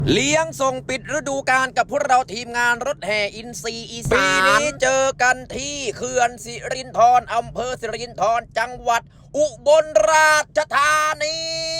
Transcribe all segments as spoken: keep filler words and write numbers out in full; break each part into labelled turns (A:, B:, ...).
A: เลี้ยงส่งปิดฤดูกาลกับพวกเราทีมงานรถแห่อินซีอีสานปีนี้เจอกันที่เขื่อนสิรินธรอำเภอสิรินธรจังหวัดอุบลราชธานี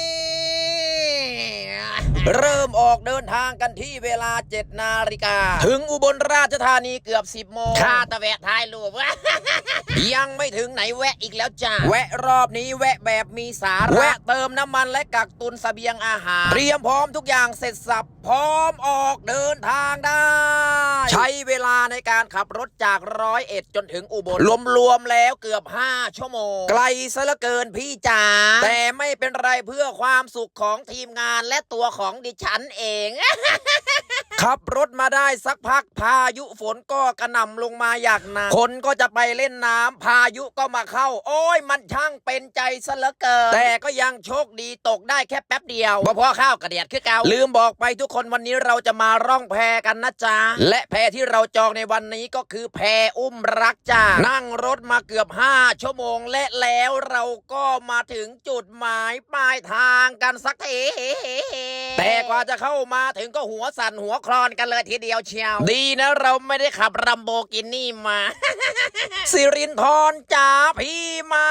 A: เริ่มออกเดินทางกันที่เวลาเจ็ดนาฬิกาถึงอุบลราชธานีเกือบสิบโมงข้าตะแวะท้ายรูป ยังไม่ถึงไหนแวะอีกแล้วจ้าแวะรอบนี้แวะแบบมีสาระแวะเติมน้ำมันและกักตุนเสบียงอาหารเตรียมพร้อมทุกอย่างเสร็จสับพร้อมออกเดินทางได้ใช้เวลาในการขับรถจากร้อยเอ็ดจนถึงอุบลรวมๆแล้วเกือบห้าชั่วโมงไกลซะเหลือเกินพี่จ๋าแต่ไม่เป็นไรเพื่อความสุขของทีมงานและตัวของดิฉันเอง ขับรถมาได้สักพักพายุฝนก็กระหน่ำลงมาอย่างหนักคนก็จะไปเล่นน้ำพายุก็มาเข้าโอ้ยมันช่างเป็นใจซะเหลือเกินแต่ก็ยังโชคดีตกได้แค่แป๊บเดียวเพราะพ่อข้าวกระเดียดคือเก่าลืมบอกไปทุกคนวันนี้เราจะมาร่องแพกันนะจ๊ะและแพที่เราจองในวันนี้ก็คือแพอุ้มรักจ้านั่งรถมาเกือบห้าชั่วโมงและแล้วเราก็มาถึงจุดหมายปลายทางกันสักทีแต่กว่าจะเข้ามาถึงก็หัวสั่นหัวคลอนกันเลยทีเดียวเชียวดีนะเราไม่ได้ขับรัมโบกินี่มา สิรินธรจ๋าพี่มา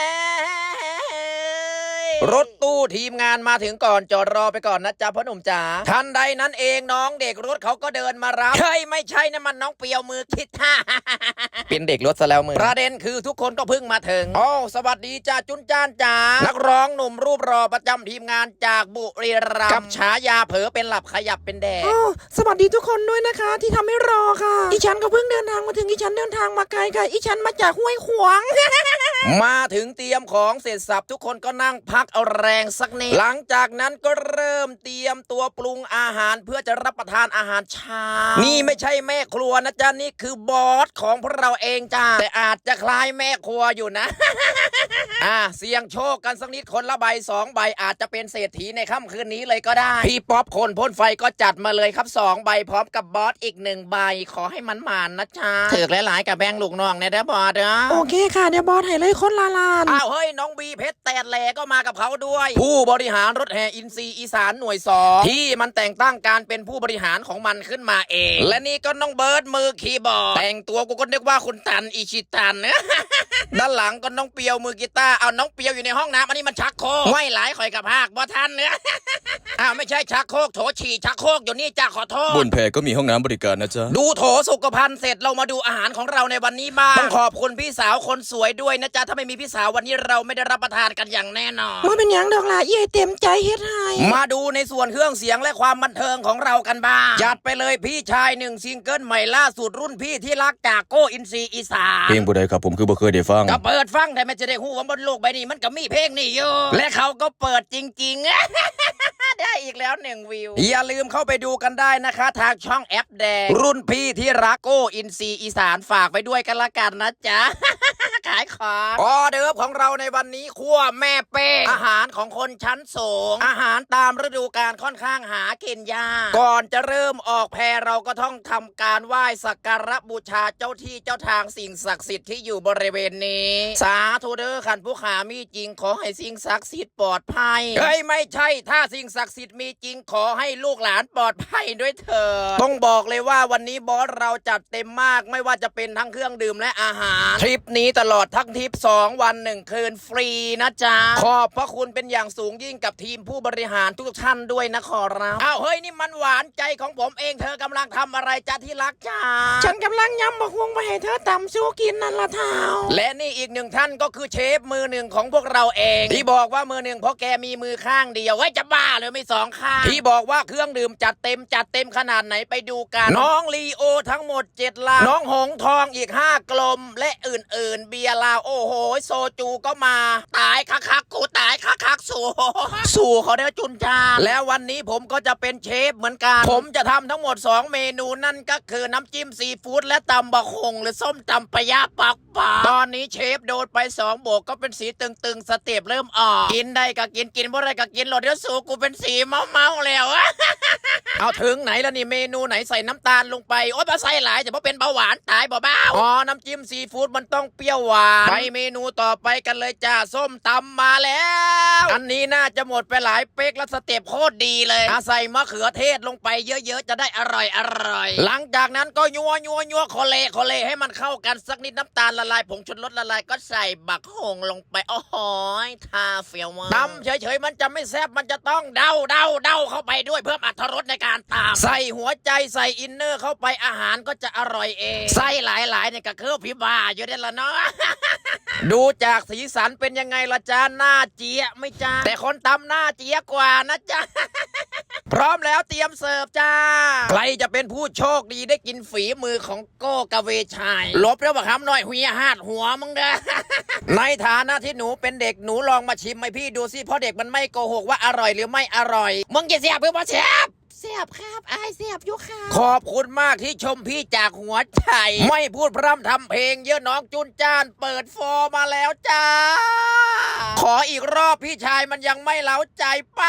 A: แล้วรถตู้ทีมงานมาถึงก่อนจอดรอไปก่อนนะจ๊ะพ่อหนุ่มจ๋าทันใดนั้นเองน้องเด็กรถเขาก็เดินมารับเฮ้ยไม่ใช่นะมันน้องเปียวมือคิดท่า เป็นเด็กรถซะแล้วมือประเด็นคือทุกคนก็เพิ่งมาถึงโอ้สวัสดีจ้าจุนจ้านจ๋านักร้องหนุ่มรูปรอประจำทีมงานจากบุรีรัมย์กับฉายาเผลอเป็นหลับขยับเป็นแดด
B: โอ้สวัสดีทุกคนด้วยนะคะที่ทำให้รอค่ะอีฉันก็เพิ่งเดินทางมาถึงอีฉันเดินทางมาไกลค่ะอีฉันมาจากห้วยขวาง
A: มาถึงเตรียมของเสร็จสับทุกคนก็นั่งพักเอาแรงสักนิดหลังจากนั้นก็เริ่มเตรียมตัวปรุงอาหารเพื่อจะรับประทานอาหารเช้านี่ไม่ใช่แม่ครัวนะจ๊ะนี่คือบอสของพวกเราเองจ้าแต่อาจจะคล้ายแม่ครัวอยู่นะ อ่าเสี่ยงโชคกันสักนิดคนละใบสองใบอาจจะเป็นเศรษฐีในค่ำคืนนี้เลยก็ได้พี่ป๊อปคนพ่นไฟก็จัดมาเลยครับสองใบพร้อมกับบอสอีกหนึ่งใบขอให้มันหมานนะจ๊ะถือหลายๆกับแบงลูกน้องเนี่ยนะบอสเนาะ
B: โอเคค่ะเดี๋ยวบอสให้เลยคนละลาน
A: อ้าวเฮ้ยน้องบีเพชรแตดแหลก็มากับเขาด้วย ผู้บริหารรถแห่อินซีอีสานหน่วยสองที่มันแต่งตั้งการเป็นผู้บริหารของมันขึ้นมาเอง และนี่ก็น้องเบิร์ดมือคีย์บอร์ดแต่งตัวกูก็นึกว่าคุณตันอิชิตัน ด้านหลังก็น้องเปียวมือกีตาร์เอาน้องเปียวอยู่ในห้องน้ำอันนี้มันชักโครกไม่หลายข่อยกับภาคบ่ทันเนื้อ อ้าวไม่ใช่ชักโครกโถฉี่ชักโครกอยู่นี่จ้าขอโทษ
C: บนแพก็มีห้องน้ำบริการนะจ๊ะ
A: ดูโถสุขภัณฑ์เสร็จเรามาดูอาหารของเราในวันนี้บ้างต้องขอบคุณพี่สาวคนสวยด้วยนะจ๊ะถ้าไม่มีพี่สาววันนี้เราไม่ได้รับประทานกันอย่างแน่นอน
B: มาเป็นหยังดอกล่ะเย่เต็มใจเฮ็ดให้
A: มาดูในส่วนเครื่องเสียงและความบันเทิงของเรากันบ้างจัดไปเลยพี่ชายหนึ่งซิงเกิลใหม่ล่าสุดรุ่นพี่ที่รักจากโกอินซีอีสาน
C: เพลงบุใดครับผมคือบ่เคยได้ฟัง
A: ก็เปิดฟังแต่ไม่จะได้หูว่าบนโลกใบนี้มันก็มีเพลงนี่อยู่และเขาก็เปิดจริงๆ ได้อีกแล้วหนึ่งวิวอย่าลืมเข้าไปดูกันได้นะคะทางช่องแอปแดงรุ่นพี่ที่รักโกอินซีอีสานฝากไปด้วยกันละกันนะจ๊ะ ขายของออเดิร์ฟของเราในวันนี้คั่วแม่เป้อาหารของคนชั้นสูงอาหารตามฤดูกาลค่อนข้างหากินยากก่อนจะเริ่มออกแพเราก็ต้องทำการไหว้สักการะบูชาเจ้าที่เจ้าทางสิ่งศักดิ์สิทธิ์ที่อยู่บริเวณนี้สาธุเด้อขันผู้ขามีจริงขอให้สิ่งศักดิ์สิทธิ์ปลอดภัยเฮ้ยไม่ใช่ถ้าสิ่งศักดิ์สิทธิ์มีจริงขอให้ลูกหลานปลอดภัยด้วยเถิดต้องบอกเลยว่าวันนี้บอสเราจัดเต็มมากไม่ว่าจะเป็นทั้งเครื่องดื่มและอาหารทริปนี้ตลอดทั้งทริปสองวันหนึ่งคืนฟรีนะจ๊ะขอบพระคุณเป็นอย่างสูงยิ่งกับทีมผู้บริหารทุกท่านด้วยนะขอรับอ้าวเฮ้ยนี่มันหวานใจของผมเองเธอกำลังทำอะไรจ๊ะที่รักจ้า
B: ฉันกำลังยำบักฮวงไปให้เธอตำสู้กินนั่นละเท้า
A: และนี่อีกหนึ่งท่านก็คือเชฟมือหนึ่งของพวกเราเองที่บอกว่ามือหนึ่งเพราะแกมีมือข้างเดียวเฮ้ยจะบ้าเลยไม่สองข้างที่บอกว่าเครื่องดื่มจัดเต็มจัดเต็มขนาดไหนไปดูกันน้องลีโอทั้งหมดเจ็ดลังน้องหงทองอีกห้ากลมและอื่นๆเบียร์ลาวโอ้โหโซจูก็มาตายคักคักกูตายคักคักสู่ สู่เขาได้จุนจาแล้ววันนี้ผมก็จะเป็นเชฟเหมือนกันผมจะทำทั้งหมดสองเมนูนั่นก็คือน้ำจิ้มซีฟู้ดและตำบะคงหรือส้มตำปะยะปักปาตอนนี้เชฟโดนไปสองโบกก็เป็นสีตึงๆสเต็ปเริ่มออกกินได้ก็กินกินบ่ได้ก็กินหลดเดี๋ยวสู่กูเป็นสีเมาๆแล้วเอาถึงไหนแล้วนี่เมนูไหนใส่น้ำตาลลงไปโอ๊ยมาใส่หลายจะเพราะเป็นเบาหวานตายบ่บ้าอ๋อน้ำจิ้มซีฟู้ดมันต้องเปรี้ยวหวานไปเมนูต่อไปกันเลยจ้าส้มตำมาแล้วอันนี้น่าจะหมดไปหลายเป๊กแล้วสเต็ปโคตรดีเลยอาใส่มะเขือเทศลงไปเยอะๆจะได้อร่อยอร่อยหลังจากนั้นก็ยัวยัวยัวโคเลโคเลให้มันเข้ากันสักนิดน้ำตาลละลายผงชูรสละลายก็ใส่บักหงลงไปโอ้โหทาเฟียวมากตำเฉยๆมันจะไม่แซ่บมันจะต้องเดาเดาเดาเข้าไปด้วยเพิ่มอรรถรสในการตำใส่หัวใจใส่อินเนอร์เข้าไปอาหารก็จะอร่อยเองใส่หลายๆเนี่ยก็คือพี่บ้าอยู่ได้ละเนาะ ดูจากสีสันเป็นยังไงละจ้าหน้าเจี๊ยะไม่จ้าแต่คนตำหน้าเจี๊ยะกว่านะจ๊ะ พร้อมแล้วเตรียมเสิร์ฟจ้าใครจะเป็นผู้โชคดีได้กินฝีมือของโก้กะเวชัยลบแล้วบักคำหน่อยหุยหาดหัวมึงเด้อ ในฐานะที่หนูเป็นเด็กหนูลองมาชิมให้พี่ดูสิเพราะเด็กมันไม่โกหกว่าอร่อยหรือไม่อร่อยมึงจะเสียบหรือเปล่าเชฟเสียบครับไอเสียบอยู่ค่ะขอบคุณมากที่ชมพี่จากหัวใจไม่พูดพร่ำทำเพลงเยอะน้องจุนจ้านเปิดฟอร์มาแล้วจ้าขออีกรอบพี่ชายมันยังไม่เล้าใจไป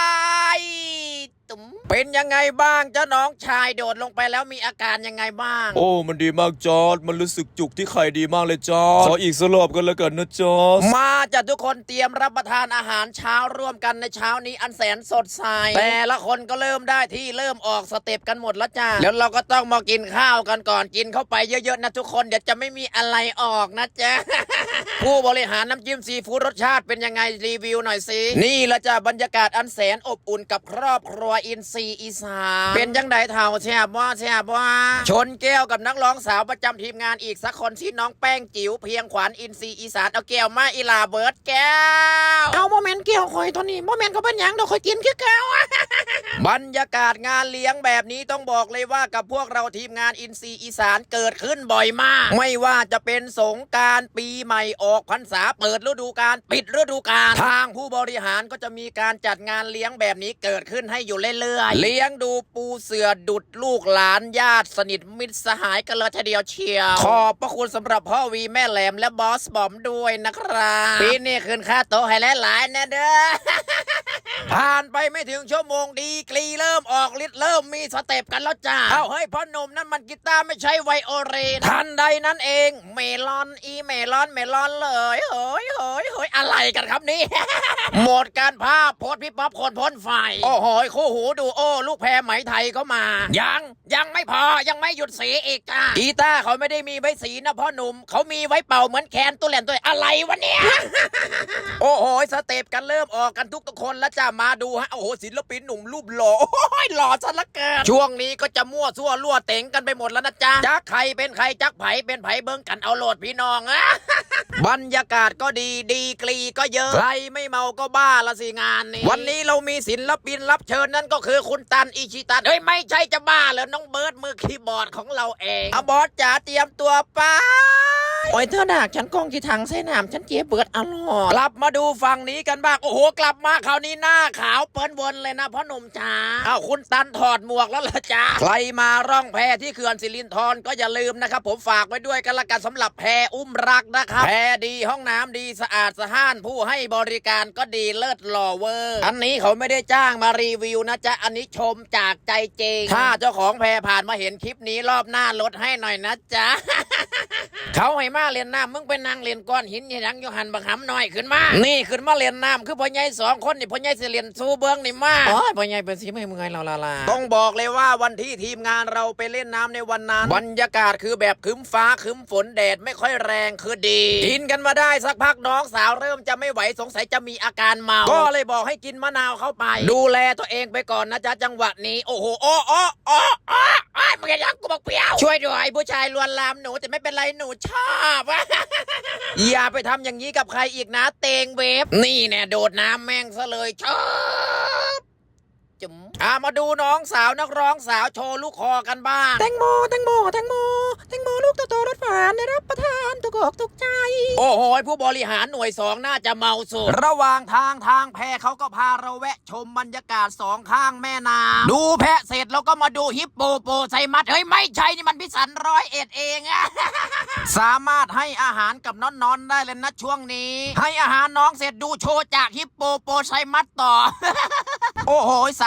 A: ตุ้มเป็นยังไงบ้างเจ้าน้องชายโดดลงไปแล้วมีอาการยังไงบ้าง
C: โอ้มันดีมากจอร์ดมันรู้สึกจุกที่ไข่ดีมากเลยจอร์ดขออีกสลบกันแล้วกันนะจอร์ด
A: มาจัดทุกคนเตรียมรับประทานอาหารเช้าร่วมกันในเช้านี้อันแสนสดใสแต่ละคนก็เริ่มได้ที่เริ่มออกสเต็ปกันหมดแล้วจ้าแล้วเราก็ต้องมากินข้าวกันก่อนกินเข้าไปเยอะๆนะทุกคนเดี๋ยวจะไม่มีอะไรออกนะจ๊ะ ผู้บริหารน้ำจิ้มซีฟู้ดรสชาติเป็นยังไงรีวิวหน่อยสินี่ละจ้ะบรรยากาศอันแสนอบอุ่นกับครอบครัวอินซีอีสานเป็นจังไดเท่าแช่บว่าแช่บว่าชนแก้วกับนักร้องสาวประจำทีมงานอีกสักคนที่น้องแป้งจิ๋วเพียงขวัญอินซีอีสานเอาแก้วมาอีลาเบิร์ดแก้ว
B: เอาโมเมนต์เกี่ยวคอยตัวนี้โมเมนต์ก็เป็นหยังเดี๋ยวคอยกินคือเก่า
A: บรรยากาศงานเลี้ยงแบบนี้ต้องบอกเลยว่ากับพวกเราทีมงานอินซีอีสานเกิดขึ้นบ่อยมากไม่ว่าจะเป็นสงกรานต์ปีใหม่ออกพรรษาเปิดฤดูกาลปิดฤดูกาลทางผู้บริหารก็จะมีการจัดงานเลี้ยงแบบนี้เกิดขึ้นให้อยู่เรื่อยๆเลี้ยงดูปูเสือดุดลูกหลานญาติสนิทมิตรสหายกันเลยทีเดียวเชียวขอบพระคุณสำหรับพ่อวีแม่แหลมและบอสบอมด้วยนะครับปีนี้คืนค่าโต๊ะให้หลายๆนะเด้อ ผ่านไปไม่ถึงชั่วโมงดีกรีเริ่มออกฤทธิ์เริ่มมีสเต็ปกันแล้วจ้าเอ้าเฮ้ยพ่อหนุ่มนั่นมันกีตาร์ไม่ใช่ไวโอลินทันใดนั้นเองเมลอนอีเมลอนเมลอนเลยเฮ้ยเฮ้ยเฮ้ยอะไรกันครับนี่ หมดการภาพโพสพี่ป๊อปคนพ่นไฟโอ้โหคู่หูดูโอ้ลูกแพรไหมไทยก็มายังยังไม่พอยังไม่หยุดสีอีกจ้ากีตาร์เขาไม่ได้มีไว้สีนะพ่อหนุ่มเขามีไว้เป่าเหมือนแคนตัวแหลนตัวอะไรวะเนี่ย โอ้โหสเต็ปกันเริ่มออกกันทุกทุกคนแล้วจ้ามาดูฮะโอ้โหศิลปินหนุ่มรูปหล่อโอ้ยหล่อซะละเกินช่วงนี้ก็จะมั่วซั่วลั่วเต็งกันไปหมดแล้วนะจ๊ะจักใครเป็นใครจักไผเป็นไผเบิ้งกันเอาโหลดพี่น้องอะ บรรยากาศก็ดีดีกรีก็เยอะใครไม่เมาก็บ้าละสิงานนี้วันนี้เรามีศิลปินรับเชิญนั่นก็คือคุณตันอิชิตันเฮ้ยไม่ใช่จะบ้าเหรอน้องเบิร์ดมือคีย์บอร์ดของเราเองอะบอสจ๋าเตรียมตัวไป
B: โอ้ยเธอดากฉันกองที่ถังใส่น้ำฉันเจี๊ยบเบิดอร่อย
A: กลับมาดูฝั่งนี้กันบ้างโอ้โหกลับมาคราวนี้หน้าขาวเปิ้นวนเลยนะพ่อหนุ่มจ๋าอ้าวคุณตันถอดหมวกแล้วล่ะจ้าใครมาร่องแพที่เขื่อนสิรินธรก็อย่าลืมนะครับผมฝากไว้ด้วยกันละกันสำหรับแพอุ้มรักนะครับแพดีห้องน้ำดีสะอาดสะอ้านผู้ให้บริการก็ดีเลิศหล่อเวอร์อันนี้เขาไม่ได้จ้างมารีวิวนะจ๊ะอันนี้ชมจากใจจริงถ้าเจ้าของแพผ่านมาเห็นคลิปนี้รอบหน้าลดให้หน่อยนะจ๊ะ เขาให้มาเล่นน้ำมึงไปนั่งเล่นก้อนหินยังอยู่หันบังหำหน่อยขึ้นมานี่ขึ้นมาเล่นน้ำคือพ่อใหญ่สองคนนี่พ่อใหญ่สิเล่นสู้เบื้องนี่มา
B: โอ้ยพ่อใหญ่เป็นสีไม่เมื่อยเราละลา
A: ต้องบอกเลยว่าวันที่ทีมงานเราไปเล่นน้ำในวันนั้นบรรยากาศคือแบบครึ้มฟ้าครึ้มฝนแดดไม่ค่อยแรงคือดีกินกันมาได้สักพักน้องสาวเริ่มจะไม่ไหวสงสัยจะมีอาการเมาก็เลยบอกให้กินมะนาวเข้าไปดูแลตัวเองไปก่อนนะจ๊ะจังหวะนี้โอ้โหอ้ออ้ออ้ออ้อมึงยังกูบอกเปรี้ยวช่วยด้วยผู้ชายลวนลามหนูแต่ไม่เป็นไรหนูชอบ อย่าไปทำอย่างนี้กับใครอีกนะเตงเวฟนี่แน่โดดน้ำแม่งซะเลยชอบจุ๋มอ่ามาดูน้องสาวนักร้องสาวโชว์ลูกคอกันบ้าง
B: แตงโมแตงโมแตงโมแตงโมลูกโตๆรสหวานได้รับประทานถูกอกถูกใจ
A: โอ้โหผู้บริหารหน่วยสองน่าจะเมาสุดระหว่างทางทางแพเขาก็พาเราแวะชมบรรยากาศสองข้างแม่น้ำดูแพะเสร็จเราก็มาดูฮิปโปโปไซมัสเฮ้ยไม่ใช่นี่มันพิสันร้อยเอ็ดเองอะ สามารถให้อาหารกับน้องๆได้เลยนะช่วงนี้ให้อาหารน้องเสร็จดูโชว์จากฮิปโปโปไซมัสต่อ โอ้โหสา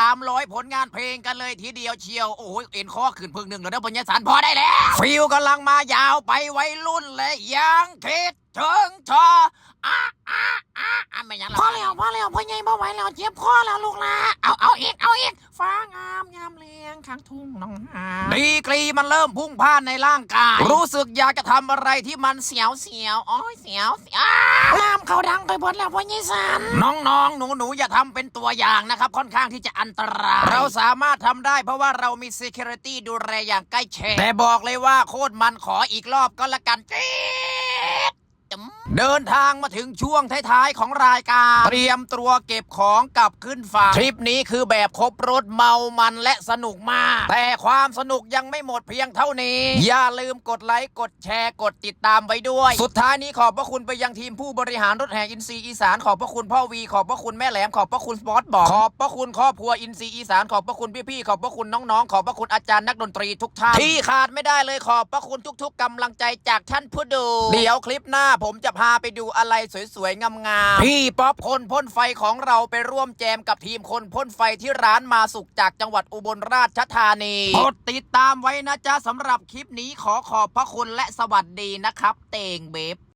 A: ามร้อยผลงานเพลงกันเลยทีเดียวเชียวโอ้ยเอ็นข้อขึ้นพึ่งหนึ่งแล้วเด้อปัญญาสารพอได้แล้วฟิลกำลังมายาวไปไว้รุ่นเลยยังคิดถึงเธออ่ะอ่ะอ่ะอ่ะไม่ยัง
B: พอแล้วพอแล้วพ่อใหญ่บ่ไหวแล้วเจ็บคอแล้วลูกละเอาเอาอีกเอาอีกฟ้างามยามเลียงข้างทุ่งน้องหา
A: ดีกรีมันเริ่มพุ่งพ่านในร่างกายรู้สึกอยากจะทำอะไรที่มันเสียวเสียวๆโอ้ยเสียวเสียว
B: ลามเขาดังไปหมดแล้วพ่อใหญ่สัน
A: น้องๆ หนูๆ อย่าทำเป็นตัวอย่างนะครับ ค่อนข้างที่จะอันตราย เราสามารถทำได้เพราะว่าเรามี security ดูแลอย่างใกล้ชิดแต่บอกเลยว่าโคตรมันขออีกรอบก็แล้วกันจี๊ดเดินทางมาถึงช่วงท้ายๆ ของรายการเตรียมตัวเก็บของกลับขึ้นฝั่งทริปนี้คือแบบครบรถเมามันและสนุกมาก แต่ความสนุกยังไม่หมดเพียงเท่านี้ อย่าลืมกดไลค์กดแชร์กดติดตามไว้ด้วย สุดท้ายนี้ขอบพระคุณไปยังทีมผู้บริหารรถแห่อินซีอีสานขอบพระคุณพ่อวีขอบพระคุณแม่แหลมขอบพระคุณสปอร์ตบอกขอบพระคุณครอบครัวอินซีอีสานขอบพระคุณพี่ๆขอบพระคุณน้องๆขอบพระคุณอาจารย์นักดนตรีทุกท่านที่ขาดไม่ได้เลยขอบพระคุณทุกๆกำลังใจจากท่านผู้ดูเดี๋ยวคลิปหน้าผมจะพาไปดูอะไรสวยๆงามๆพี่ป๊อปคนพ่นไฟของเราไปร่วมแจมกับทีมคนพ่นไฟที่ร้านมาสุขจากจังหวัดอุบลราชธานีกดติดตามไว้นะจ๊ะสำหรับคลิปนี้ขอขอบพระคุณและสวัสดีนะครับเตงเบบ